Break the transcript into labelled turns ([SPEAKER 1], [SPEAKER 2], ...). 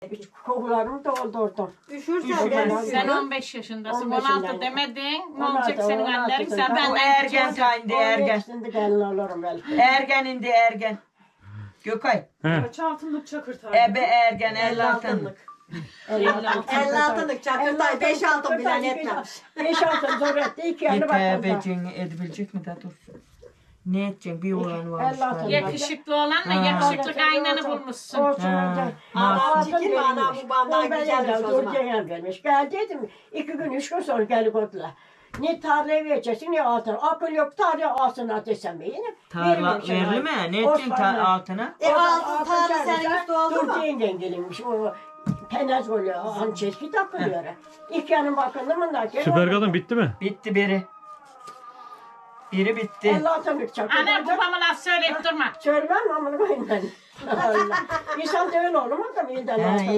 [SPEAKER 1] Kokularımı doldurdum.
[SPEAKER 2] Üşürsen
[SPEAKER 3] Sen 15 yaşındasın.
[SPEAKER 1] 15
[SPEAKER 3] 16
[SPEAKER 1] yaşındayım.
[SPEAKER 3] demedin. Ne
[SPEAKER 1] 16,
[SPEAKER 3] olacak senin
[SPEAKER 1] 16
[SPEAKER 3] hallerin? Sen
[SPEAKER 1] yaşındayım.
[SPEAKER 2] O
[SPEAKER 3] benden
[SPEAKER 2] ergen tayinde ergen.
[SPEAKER 1] Şimdi gelin olurum belki.
[SPEAKER 2] Ergen indi ergen. Gökay.
[SPEAKER 4] Kaç altınlık çakır tabii.
[SPEAKER 2] Ebe ergen 50 altınlık.
[SPEAKER 5] 56'lık çakırtay 5 altın bilen etmemiş.
[SPEAKER 1] 5 altın zor etti. 2 yanı bakalım.
[SPEAKER 2] Yetebeceksin edebilecek mi de dur. Ne edeceksin bir oğlan varmış.
[SPEAKER 1] 50 altın.
[SPEAKER 3] yakışıklı olanla
[SPEAKER 2] Ha.
[SPEAKER 3] yakışıklı kaynanı bulmuşsun.
[SPEAKER 1] Olsun
[SPEAKER 2] Ha,
[SPEAKER 1] olacak.
[SPEAKER 5] Allah'ın
[SPEAKER 1] Altın
[SPEAKER 5] çekin bana
[SPEAKER 1] verilmiş.
[SPEAKER 5] bu bandan
[SPEAKER 1] Ben
[SPEAKER 5] güzelmiş
[SPEAKER 1] geldim,
[SPEAKER 5] o zaman.
[SPEAKER 1] Durce'ye gelmiş. Gel dedim. 2 gün 3 gün sonra gel kodla. Ne tarlaya vereceksin ne altın. Akıl yok tarlaya altına desem yine.
[SPEAKER 2] Tarla verli mi? Ne edeceksin altına?
[SPEAKER 5] Altın tarla senin üstü oldu mu?
[SPEAKER 1] Durce'yle gelinmiş. O penez oluyor. Hançeski takılıyor. 2 yanım bakıldı mı da.
[SPEAKER 6] Süper kadın bitti mi?
[SPEAKER 2] Bitti biri. Biri bitti.
[SPEAKER 1] 50 altınlık çakıl.
[SPEAKER 3] Ana babama laf söyleyip durma.
[SPEAKER 1] Söylemem amına koyayım ben. Allah. İnsan da öyle olur mu?
[SPEAKER 2] Ha,